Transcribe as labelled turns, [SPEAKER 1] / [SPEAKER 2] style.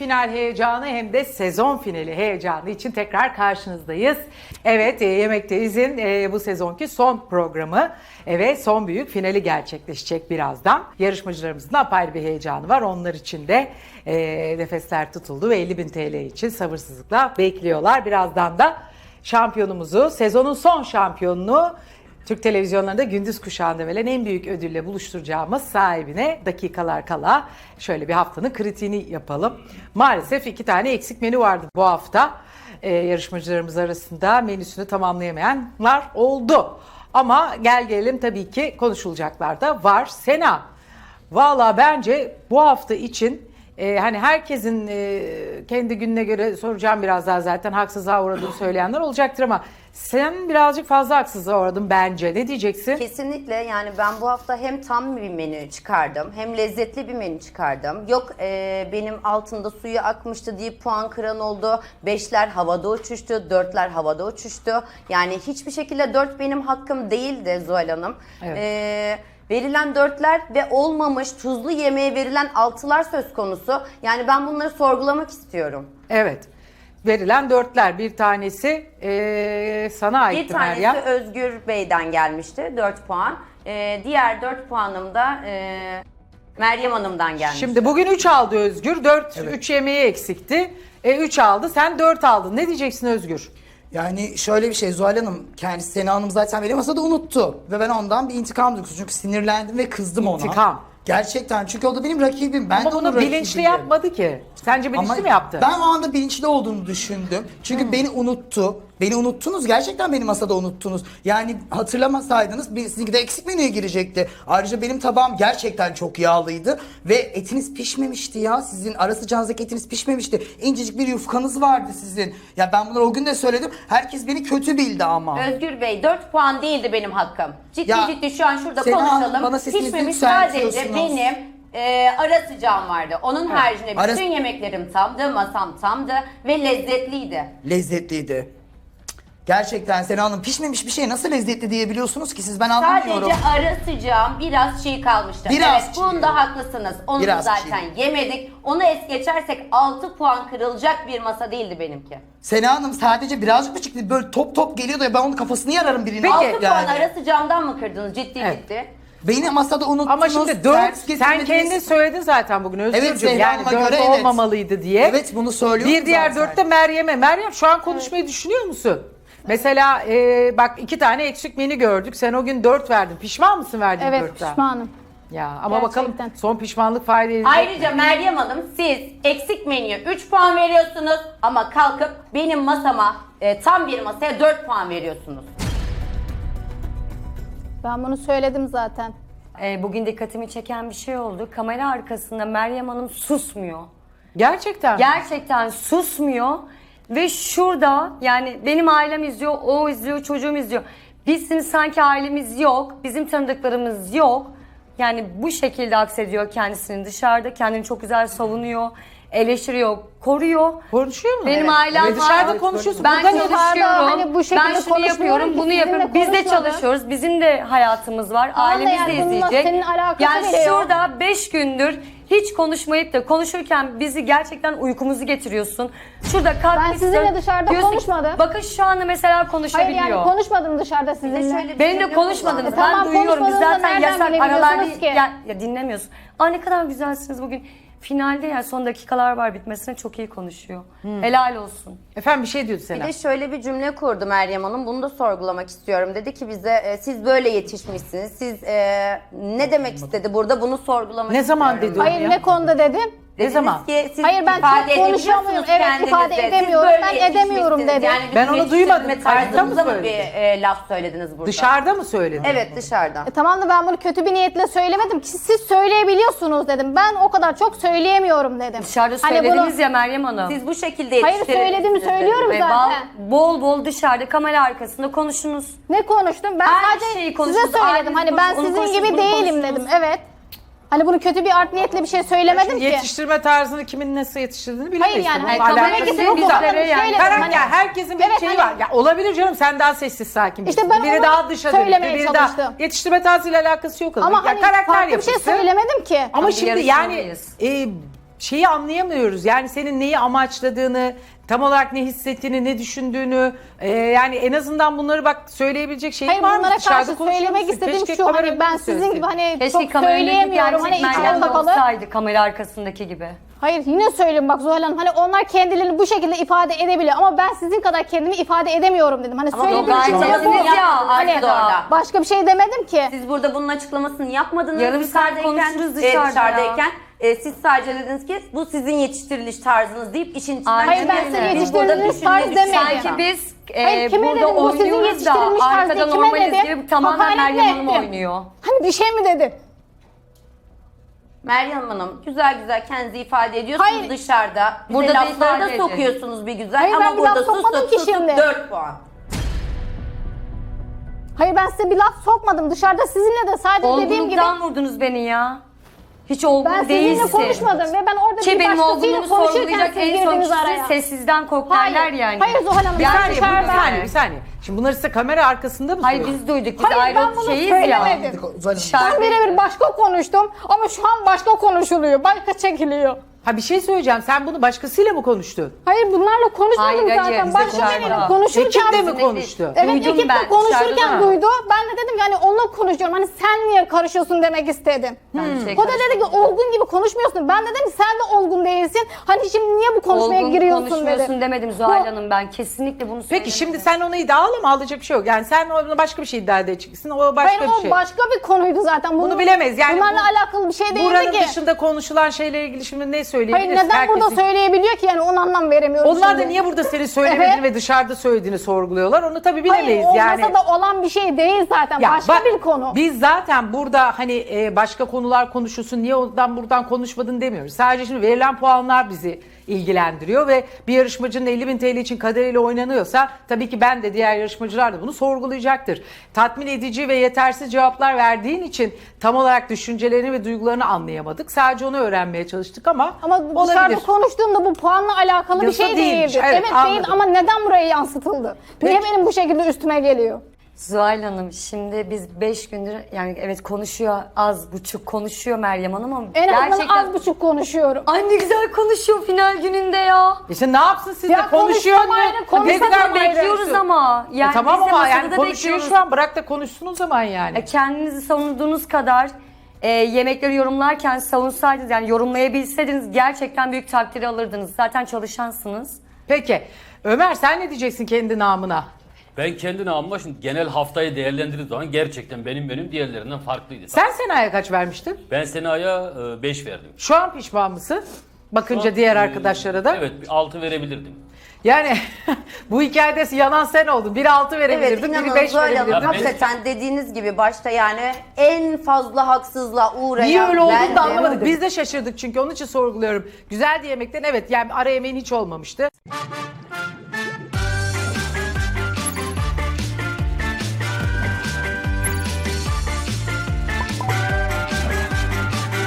[SPEAKER 1] final heyecanı hem de sezon finali heyecanı için tekrar karşınızdayız. Evet, Yemekteiz'in bu sezonki son programı ve son büyük finali gerçekleşecek birazdan. Yarışmacılarımızın apayrı bir heyecanı var. Onlar için de nefesler tutuldu ve 50.000 TL için sabırsızlıkla bekliyorlar. Birazdan da şampiyonumuzu, sezonun son şampiyonunu Türk televizyonlarında gündüz kuşağında verilen en büyük ödülle buluşturacağımız sahibine dakikalar kala şöyle bir haftanın kritiğini yapalım. Maalesef 2 tane eksik menü vardı bu hafta. Yarışmacılarımız arasında menüsünü tamamlayamayanlar oldu. Ama gel gelelim tabii ki konuşulacaklar da var. Sena, valla bence bu hafta için hani herkesin kendi gününe göre soracağım biraz daha zaten haksızlığa uğradığını söyleyenler olacaktır ama sen birazcık fazla haksızlığa uğradın bence. Ne diyeceksin?
[SPEAKER 2] Kesinlikle, yani ben bu hafta hem tam bir menü çıkardım hem lezzetli bir menü çıkardım. Yok benim altında suyu akmıştı diye puan kıran oldu. 5'ler havada uçuştu, 4'ler havada uçuştu. Yani hiçbir şekilde 4 benim hakkım değildi Zuhal Hanım.
[SPEAKER 1] Evet.
[SPEAKER 2] Verilen 4'ler ve olmamış tuzlu yemeğe verilen 6'lar söz konusu. Yani ben bunları sorgulamak istiyorum.
[SPEAKER 1] Evet. Verilen 4'ler, bir tanesi sana aitti
[SPEAKER 2] Bir tanesi
[SPEAKER 1] Meryem.
[SPEAKER 2] Özgür Bey'den gelmişti 4 puan. Diğer 4 puanım da Meryem Hanım'dan gelmişti.
[SPEAKER 1] Şimdi bugün 3 aldı Özgür, 3 yemeği eksikti. 3 aldı, sen 4 aldın. Ne diyeceksin Özgür?
[SPEAKER 3] Yani şöyle bir şey, Zuhal Hanım, kendisi Sena Hanım zaten beni masada unuttu. Ve ben ondan bir intikam duygusum. Çünkü sinirlendim ve kızdım ona.
[SPEAKER 1] İntikam.
[SPEAKER 3] Gerçekten, çünkü o da benim rakibim. Ben
[SPEAKER 1] Ama
[SPEAKER 3] de onun
[SPEAKER 1] bunu bilinçli
[SPEAKER 3] rakibiyim.
[SPEAKER 1] yapmadı ki. Sence bilinçli mi yaptı?
[SPEAKER 3] Ben o anda bilinçli olduğunu düşündüm. Çünkü beni unuttu. Beni unuttunuz. Gerçekten beni masada unuttunuz. Yani hatırlamasaydınız sizinki de eksik menüye girecekti. Ayrıca benim tabağım gerçekten çok yağlıydı. Ve etiniz pişmemişti ya. Sizin ara sıcağınızdaki etiniz pişmemişti. İncecik bir yufkanız vardı sizin. Ya ben bunları o gün de söyledim. Herkes beni kötü bildi ama.
[SPEAKER 2] Özgür Bey 4 puan değildi benim hakkım. Ciddi
[SPEAKER 3] Ya,
[SPEAKER 2] ciddi şu an şurada
[SPEAKER 3] Sena Hanım,
[SPEAKER 2] konuşalım.
[SPEAKER 3] bana sesinizi
[SPEAKER 2] Pişmemiş sadece
[SPEAKER 3] yükseltiyorsunuz.
[SPEAKER 2] benim ara sıcağım vardı. Onun haricinde
[SPEAKER 3] Ara-
[SPEAKER 2] bütün yemeklerim tamdı, masam tamdı ve lezzetliydi.
[SPEAKER 3] Lezzetliydi. Gerçekten Sena Hanım, pişmemiş bir şey nasıl lezzetli diyebiliyorsunuz ki siz, ben anlamıyorum.
[SPEAKER 2] Sadece ara sıcağım biraz çiğ kalmıştı.
[SPEAKER 3] Biraz
[SPEAKER 2] evet,
[SPEAKER 3] çiğ.
[SPEAKER 2] bunda haklısınız. Onu
[SPEAKER 3] Biraz
[SPEAKER 2] zaten yemedik. Onu es geçersek 6 puan kırılacak bir masa değildi benimki.
[SPEAKER 3] Sena Hanım sadece birazcık mı çıktı? Böyle top top geliyordu ya, ben onun kafasını yararım birine.
[SPEAKER 2] 6 puan ara sıcağımdan mı kırdınız ciddi
[SPEAKER 1] Evet.
[SPEAKER 2] ciddi?
[SPEAKER 3] Beni masada unuttunuz.
[SPEAKER 1] Ama şimdi 4,
[SPEAKER 3] servis
[SPEAKER 1] sen
[SPEAKER 3] getirmediniz.
[SPEAKER 1] kendin söyledin zaten bugün Özgürcüğüm.
[SPEAKER 3] Evet, Zehra
[SPEAKER 1] yani
[SPEAKER 3] Hanım'a
[SPEAKER 1] 4
[SPEAKER 3] göre evet.
[SPEAKER 1] olmamalıydı diye.
[SPEAKER 3] Evet, bunu söylüyorum
[SPEAKER 1] Bir diğer
[SPEAKER 3] zaten.
[SPEAKER 1] 4 de Meryem'e. Meryem, şu an konuşmayı düşünüyor musun? Mesela bak 2 tane eksik menü gördük. Sen o gün 4 verdin. Pişman mısın verdiğin
[SPEAKER 4] Evet
[SPEAKER 1] 4'ten?
[SPEAKER 4] pişmanım.
[SPEAKER 1] Ya ama bakalım
[SPEAKER 4] Gerçekten.
[SPEAKER 1] son pişmanlık fayda edecek.
[SPEAKER 2] Ayrıca Meryem Hanım siz eksik menüye 3 puan veriyorsunuz ama kalkıp benim masama tam bir masaya 4 puan veriyorsunuz.
[SPEAKER 4] Ben bunu söyledim zaten.
[SPEAKER 5] Bugün dikkatimi çeken bir şey oldu. Kamera arkasında Meryem Hanım susmuyor.
[SPEAKER 1] Gerçekten.
[SPEAKER 5] Gerçekten susmuyor. Ve şurada, yani benim ailem izliyor, o izliyor, çocuğum izliyor. Bizim sanki ailemiz yok, bizim tanıdıklarımız yok. Yani bu şekilde aksediyor kendisini dışarıda. Kendini çok güzel savunuyor, eleştiriyor, koruyor.
[SPEAKER 1] Konuşuyor mu?
[SPEAKER 5] Benim
[SPEAKER 1] Evet.
[SPEAKER 5] ailem
[SPEAKER 1] Ve dışarıda
[SPEAKER 5] var.
[SPEAKER 1] konuşuyorsun.
[SPEAKER 5] Ben
[SPEAKER 1] Burada ne?
[SPEAKER 5] çalışıyorum.
[SPEAKER 4] Hani bu şekilde
[SPEAKER 5] ben şunu
[SPEAKER 4] konuşmuyorum
[SPEAKER 5] yapıyorum,
[SPEAKER 4] ki,
[SPEAKER 5] bunu
[SPEAKER 4] sizinle
[SPEAKER 5] yapıyorum. Biz de
[SPEAKER 4] konuşmadım.
[SPEAKER 5] çalışıyoruz. Bizim de hayatımız var.
[SPEAKER 4] Tamam da
[SPEAKER 5] Ailemiz de
[SPEAKER 4] yani bununla
[SPEAKER 5] izleyecek.
[SPEAKER 4] senin alakası
[SPEAKER 5] Yani
[SPEAKER 4] bile yok.
[SPEAKER 5] şurada 5 gündür hiç konuşmayıp da konuşurken bizi gerçekten uykumuzu getiriyorsun. Şurada kalkmak
[SPEAKER 4] Ben sizinle
[SPEAKER 5] istiyorum.
[SPEAKER 4] dışarıda
[SPEAKER 5] Diyorsun ki,
[SPEAKER 4] konuşmadım.
[SPEAKER 5] bakın şu anda mesela
[SPEAKER 4] Hayır
[SPEAKER 5] konuşabiliyor.
[SPEAKER 4] yani konuşmadım dışarıda sizinle.
[SPEAKER 2] şöyle bir
[SPEAKER 5] Benim de
[SPEAKER 2] cümle
[SPEAKER 5] konuşmadınız.
[SPEAKER 2] kullandım.
[SPEAKER 5] Ben
[SPEAKER 4] Tamam,
[SPEAKER 5] duyuyorum. Biz
[SPEAKER 4] konuşmadığınızı
[SPEAKER 5] zaten
[SPEAKER 4] nereden
[SPEAKER 5] yasak
[SPEAKER 4] bilebiliyorsunuz
[SPEAKER 5] aralar
[SPEAKER 4] ki?
[SPEAKER 5] ya dinlemiyorsun. Aa ne kadar güzelsiniz bugün. Finalde ya son dakikalar var bitmesine çok iyi konuşuyor. Helal olsun.
[SPEAKER 1] Efendim bir şey diyordu
[SPEAKER 2] Bir
[SPEAKER 1] Sena.
[SPEAKER 2] de şöyle bir cümle kurdu Meryem Hanım. Bunu da sorgulamak istiyorum. Dedi ki bize siz böyle yetişmişsiniz. Siz ne demek istedi burada? Bunu sorgulamak
[SPEAKER 1] Ne zaman
[SPEAKER 2] istiyorum.
[SPEAKER 1] dedi o?
[SPEAKER 4] Hayır
[SPEAKER 1] ya?
[SPEAKER 4] ne konuda dedim?
[SPEAKER 2] Dediniz
[SPEAKER 1] zaman?
[SPEAKER 2] ki siz
[SPEAKER 4] Hayır, ben
[SPEAKER 2] ifade
[SPEAKER 4] çok konuşamıyorum.
[SPEAKER 2] edebiliyorsunuz
[SPEAKER 4] Evet,
[SPEAKER 2] kendinizi.
[SPEAKER 4] ifade
[SPEAKER 2] Siz
[SPEAKER 4] edemiyorum.
[SPEAKER 2] böyle
[SPEAKER 4] Ben edemiyorum
[SPEAKER 2] yetişmişsiniz.
[SPEAKER 4] dedim.
[SPEAKER 2] Yani
[SPEAKER 1] Ben onu duymadım.
[SPEAKER 2] yetiştirme
[SPEAKER 1] Kayıtta mı
[SPEAKER 2] tarzınıza mı
[SPEAKER 1] söyledin?
[SPEAKER 2] bir laf söylediniz burada?
[SPEAKER 1] Dışarıda mı söyledin?
[SPEAKER 2] Evet dışarıda.
[SPEAKER 4] Tamam da ben bunu kötü bir niyetle söylemedim ki, siz söyleyebiliyorsunuz dedim. Ben o kadar çok söyleyemiyorum dedim.
[SPEAKER 5] Dışarıda
[SPEAKER 4] Hani
[SPEAKER 5] söylediniz
[SPEAKER 4] bunu-
[SPEAKER 5] ya Meryem Hanım.
[SPEAKER 2] Siz bu şekilde
[SPEAKER 4] Hayır,
[SPEAKER 2] yetiştirilmişsiniz
[SPEAKER 4] söylediğimi
[SPEAKER 2] dedim.
[SPEAKER 4] söylüyorum
[SPEAKER 5] Ve
[SPEAKER 4] zaten.
[SPEAKER 5] bol bol dışarıda kamera arkasında konuşunuz.
[SPEAKER 4] Ne konuştum? Ben
[SPEAKER 5] Her
[SPEAKER 4] sadece
[SPEAKER 5] şeyi
[SPEAKER 4] size
[SPEAKER 5] konuştunuz,
[SPEAKER 4] söyledim.
[SPEAKER 5] ailenizi
[SPEAKER 4] Hani ben
[SPEAKER 5] konuştunuz, onu
[SPEAKER 4] sizin gibi
[SPEAKER 5] konuştunuz, bunu
[SPEAKER 4] değilim
[SPEAKER 5] konuştunuz.
[SPEAKER 4] dedim. Evet. Hani bunu kötü bir art niyetle bir şey söylemedim
[SPEAKER 1] Şimdi
[SPEAKER 4] ki.
[SPEAKER 1] yetiştirme tarzını kimin nasıl yetiştirdiğini bilemeyiz.
[SPEAKER 4] Hayır yani,
[SPEAKER 1] Bununla
[SPEAKER 4] hani
[SPEAKER 1] alakası
[SPEAKER 4] kameraya
[SPEAKER 1] yok.
[SPEAKER 4] gidip
[SPEAKER 1] da.
[SPEAKER 4] bizlere yani.
[SPEAKER 1] Karakter,
[SPEAKER 4] Hani-
[SPEAKER 1] herkesin bir
[SPEAKER 4] Evet,
[SPEAKER 1] şeyi
[SPEAKER 4] hani-
[SPEAKER 1] var. Ya olabilir canım, sen daha sessiz sakin
[SPEAKER 4] İşte
[SPEAKER 1] birisin.
[SPEAKER 4] ben
[SPEAKER 1] Biri
[SPEAKER 4] onu
[SPEAKER 1] daha dışa dönük,
[SPEAKER 4] söylemeye
[SPEAKER 1] biri daha
[SPEAKER 4] çalıştım.
[SPEAKER 1] yetiştirme tarzıyla alakası yok.
[SPEAKER 4] Ama
[SPEAKER 1] ya
[SPEAKER 4] hani
[SPEAKER 1] karakter
[SPEAKER 4] farklı bir şey
[SPEAKER 1] yapısı.
[SPEAKER 4] söylemedim ki.
[SPEAKER 1] Ama
[SPEAKER 5] Bir
[SPEAKER 1] şimdi yani
[SPEAKER 5] yarışmalıyız.
[SPEAKER 1] şeyi anlayamıyoruz. Yani senin neyi amaçladığını, tam olarak ne hissettiğini, ne düşündüğünü, yani en azından bunları bak söyleyebilecek şeyin
[SPEAKER 4] Hayır,
[SPEAKER 1] var mı?
[SPEAKER 4] bunlara
[SPEAKER 1] Dışarıda
[SPEAKER 4] karşı
[SPEAKER 1] konuşuyor
[SPEAKER 4] söylemek
[SPEAKER 1] musun?
[SPEAKER 4] istediğim
[SPEAKER 1] Keşke
[SPEAKER 4] şu, hani
[SPEAKER 1] kameranın
[SPEAKER 4] ben
[SPEAKER 1] önünde
[SPEAKER 4] sizin
[SPEAKER 1] söyleseydin.
[SPEAKER 4] gibi hani
[SPEAKER 5] Keşke
[SPEAKER 4] çok
[SPEAKER 5] kameranın önündeki
[SPEAKER 4] söyleyemiyorum, hani
[SPEAKER 5] gerçek
[SPEAKER 4] içim
[SPEAKER 5] Meryem
[SPEAKER 4] kapalı.
[SPEAKER 5] olsaydı kamera arkasındaki gibi.
[SPEAKER 4] Hayır, yine söyleyeyim bak Zuhal Hanım, hani onlar kendilerini bu şekilde ifade edebiliyor ama ben sizin kadar kendimi ifade edemiyorum dedim. Hani
[SPEAKER 2] Ama
[SPEAKER 4] söylediğim
[SPEAKER 2] gayet
[SPEAKER 4] şey bu.
[SPEAKER 2] temizliğini yapmadınız
[SPEAKER 4] Hani
[SPEAKER 2] siz orada.
[SPEAKER 4] başka bir şey demedim ki.
[SPEAKER 2] Siz burada bunun açıklamasını yapmadınız.
[SPEAKER 5] Yarım saat konuşuruz dışarıda
[SPEAKER 2] siz sadece dediniz ki bu sizin yetiştiriliş tarzınız deyip işin içinden
[SPEAKER 5] Hayır, ben
[SPEAKER 2] çıktınız.
[SPEAKER 5] size
[SPEAKER 2] Biz burada
[SPEAKER 4] yetiştiriliş tarz
[SPEAKER 2] düşünme
[SPEAKER 4] demedim.
[SPEAKER 5] Sanki biz
[SPEAKER 4] Hayır, kime
[SPEAKER 5] burada
[SPEAKER 4] dedim, bu sizin
[SPEAKER 5] oynuyoruz da
[SPEAKER 4] yetiştirilmiş tarzı,
[SPEAKER 5] arkada
[SPEAKER 4] kime
[SPEAKER 5] normaliz
[SPEAKER 4] dedim?
[SPEAKER 5] gibi tamamen
[SPEAKER 4] Hakaret mi
[SPEAKER 5] Meryem Hanım
[SPEAKER 4] ettim?
[SPEAKER 5] oynuyor.
[SPEAKER 4] Hani bir şey mi dedim?
[SPEAKER 2] Meryem Hanım güzel güzel kendinizi ifade ediyorsunuz
[SPEAKER 4] Hayır.
[SPEAKER 2] dışarıda. Bize
[SPEAKER 5] Burada da
[SPEAKER 2] lafları da
[SPEAKER 5] ifade edin.
[SPEAKER 2] sokuyorsunuz bir güzel
[SPEAKER 4] Hayır, ben
[SPEAKER 2] ama
[SPEAKER 4] bir laf
[SPEAKER 2] burada
[SPEAKER 4] sokmadım
[SPEAKER 2] susup
[SPEAKER 4] ki
[SPEAKER 2] susup
[SPEAKER 4] şimdi.
[SPEAKER 2] 4 puan.
[SPEAKER 4] Hayır, ben size bir laf sokmadım. Dışarıda sizinle de sadece dediğim gibi
[SPEAKER 5] Olgunluktan vurdunuz beni ya. Hiç olgun
[SPEAKER 4] ben
[SPEAKER 5] değilsin.
[SPEAKER 4] sizinle konuşmadım ve ben orada
[SPEAKER 5] Ki
[SPEAKER 4] bir
[SPEAKER 5] benim
[SPEAKER 4] başkasıyla
[SPEAKER 5] olgunluğumu
[SPEAKER 4] konuşurken
[SPEAKER 5] sorgulayacak
[SPEAKER 4] siz
[SPEAKER 5] en son
[SPEAKER 4] girdiniz
[SPEAKER 5] kişi
[SPEAKER 4] araya.
[SPEAKER 5] sessizden koklarlar yani.
[SPEAKER 4] Hayır Zuhal Hanım,
[SPEAKER 1] Bir
[SPEAKER 4] ben
[SPEAKER 1] saniye,
[SPEAKER 4] dışarıda.
[SPEAKER 1] bir saniye. Şimdi bunları size kamera arkasında mı
[SPEAKER 5] Hayır
[SPEAKER 1] söylüyorsun?
[SPEAKER 5] biz duyduk. Biz
[SPEAKER 4] Hayır,
[SPEAKER 5] ayrı
[SPEAKER 4] ben bunu
[SPEAKER 5] şeyiz ya.
[SPEAKER 4] söylemedim.
[SPEAKER 3] Zuhal Hanım,
[SPEAKER 4] Ben birebir başka konuştum ama şu an başka konuşuluyor, başka çekiliyor.
[SPEAKER 1] Ha bir şey söyleyeceğim. Sen bunu başkasıyla mı konuştun?
[SPEAKER 4] Hayır, bunlarla konuşmadım
[SPEAKER 5] Hayır,
[SPEAKER 4] zaten.
[SPEAKER 5] bize
[SPEAKER 4] Başka
[SPEAKER 5] konuşmadı.
[SPEAKER 4] biriyle konuşurken...
[SPEAKER 1] Ekip de mi konuştu?
[SPEAKER 4] Evet,
[SPEAKER 5] Duydum
[SPEAKER 4] ekip
[SPEAKER 5] ben,
[SPEAKER 4] de konuşurken
[SPEAKER 5] dışarıda da.
[SPEAKER 4] duydu. Ben de dedim yani onunla konuşuyorum. Hani sen niye karışıyorsun demek istedim.
[SPEAKER 5] Ben bir şey
[SPEAKER 4] O da dedi ki olgun gibi konuşmuyorsun. Ben de dedim ki sen de olgun değilsin. Hani şimdi niye bu konuşmaya
[SPEAKER 5] Olgun
[SPEAKER 4] giriyorsun
[SPEAKER 5] konuşmuyorsun
[SPEAKER 4] dedi.
[SPEAKER 5] demedim Zuhal Hanım ben. Kesinlikle bunu söylemedim.
[SPEAKER 1] Peki şimdi sen onu iddialı mı alacak bir şey yok. Yani sen ona başka bir şey iddia edeceksin. O başka
[SPEAKER 4] Hayır,
[SPEAKER 1] bir
[SPEAKER 4] o
[SPEAKER 1] şey.
[SPEAKER 4] başka bir konuydu zaten.
[SPEAKER 1] Bunu bilemeyiz. Yani
[SPEAKER 4] bunlarla
[SPEAKER 1] bu-
[SPEAKER 4] alakalı bir şey değildi
[SPEAKER 1] Buranın
[SPEAKER 4] ki.
[SPEAKER 1] dışında konuşulan şeylerle ilgili şimdi ne
[SPEAKER 4] Hayır,
[SPEAKER 1] söyleyebiliriz?
[SPEAKER 4] neden burada söyleyebiliyor ki yani onu anlam veremiyorum.
[SPEAKER 1] Onlar da
[SPEAKER 4] şimdi.
[SPEAKER 1] niye burada senin söylemediğini
[SPEAKER 4] Evet.
[SPEAKER 1] ve dışarıda söylediğini sorguluyorlar? Onu tabii bilemeyiz
[SPEAKER 4] Hayır, o
[SPEAKER 1] yani.
[SPEAKER 4] masada olan bir şey değil zaten.
[SPEAKER 1] Ya
[SPEAKER 4] Başka
[SPEAKER 1] bak,
[SPEAKER 4] bir konu.
[SPEAKER 1] Biz zaten burada hani başka konular konuşulsun, niye ondan buradan konuşmadın demiyoruz. Sadece şimdi verilen puanlar bizi ilgilendiriyor ve bir yarışmacının 50.000 TL için kaderiyle oynanıyorsa tabii ki ben de diğer yarışmacılar da bunu sorgulayacaktır. Tatmin edici ve yetersiz cevaplar verdiğin için tam olarak düşüncelerini ve duygularını anlayamadık. Sadece onu öğrenmeye çalıştık ama
[SPEAKER 4] Ama dışarıda
[SPEAKER 1] olabilir.
[SPEAKER 4] konuştuğumda bu puanla alakalı bir
[SPEAKER 1] Yasa
[SPEAKER 4] şey
[SPEAKER 1] değilmiş,
[SPEAKER 4] değildi.
[SPEAKER 1] evet,
[SPEAKER 4] Evet,
[SPEAKER 1] anladım.
[SPEAKER 4] değil ama neden buraya yansıtıldı? Niye
[SPEAKER 1] Peki.
[SPEAKER 4] benim bu şekilde üstüme geliyor?
[SPEAKER 5] Zuhal Hanım şimdi biz 5 gündür yani evet konuşuyor az buçuk konuşuyor Meryem Hanım ama
[SPEAKER 4] En azından
[SPEAKER 5] gerçekten...
[SPEAKER 4] az buçuk konuşuyorum.
[SPEAKER 5] Ay ne güzel konuşuyor final gününde ya.
[SPEAKER 1] İşte ne yapsın siz
[SPEAKER 4] Ya
[SPEAKER 1] de konuşuyor
[SPEAKER 4] konuşsam ayrı,
[SPEAKER 1] ne
[SPEAKER 4] konuşsam
[SPEAKER 1] güzel
[SPEAKER 4] ayrı.
[SPEAKER 5] Bekliyoruz ama. Yani
[SPEAKER 1] tamam
[SPEAKER 5] biz de
[SPEAKER 1] ama yani
[SPEAKER 5] masada
[SPEAKER 1] konuşuyor
[SPEAKER 5] bekliyoruz.
[SPEAKER 1] şu an, bırak da konuşsun o zaman yani.
[SPEAKER 5] Kendinizi savunduğunuz kadar yemekleri yorumlarken savunsaydınız yani yorumlayabilseydiniz gerçekten büyük takdiri alırdınız. Zaten çalışansınız.
[SPEAKER 1] Peki Ömer sen ne diyeceksin kendi namına?
[SPEAKER 6] Ben kendi namıma şimdi genel haftayı değerlendirdiğim zaman gerçekten benim menüm diğerlerinden farklıydı.
[SPEAKER 1] Sen Sena'ya kaç vermiştin?
[SPEAKER 6] Ben Sena'ya 5 verdim.
[SPEAKER 1] Şu an pişman mısın? Bakınca
[SPEAKER 6] Şu an,
[SPEAKER 1] diğer arkadaşlara da.
[SPEAKER 6] Evet 6 verebilirdim.
[SPEAKER 1] Yani bu hikayede yanan sen oldun. Biri 6
[SPEAKER 2] Evet,
[SPEAKER 1] verebilirdin, biri
[SPEAKER 2] inanın
[SPEAKER 1] 5
[SPEAKER 2] Zuhal Hanım
[SPEAKER 1] verebilirdin.
[SPEAKER 2] hakikaten dediğiniz gibi başta yani en fazla haksızlığa uğrayan
[SPEAKER 1] Niye öyle olduğunu
[SPEAKER 2] bendim.
[SPEAKER 1] da anlamadık. Biz de şaşırdık çünkü onun için sorguluyorum. Güzeldi yemekten, evet, yani ara yemeğin hiç olmamıştı.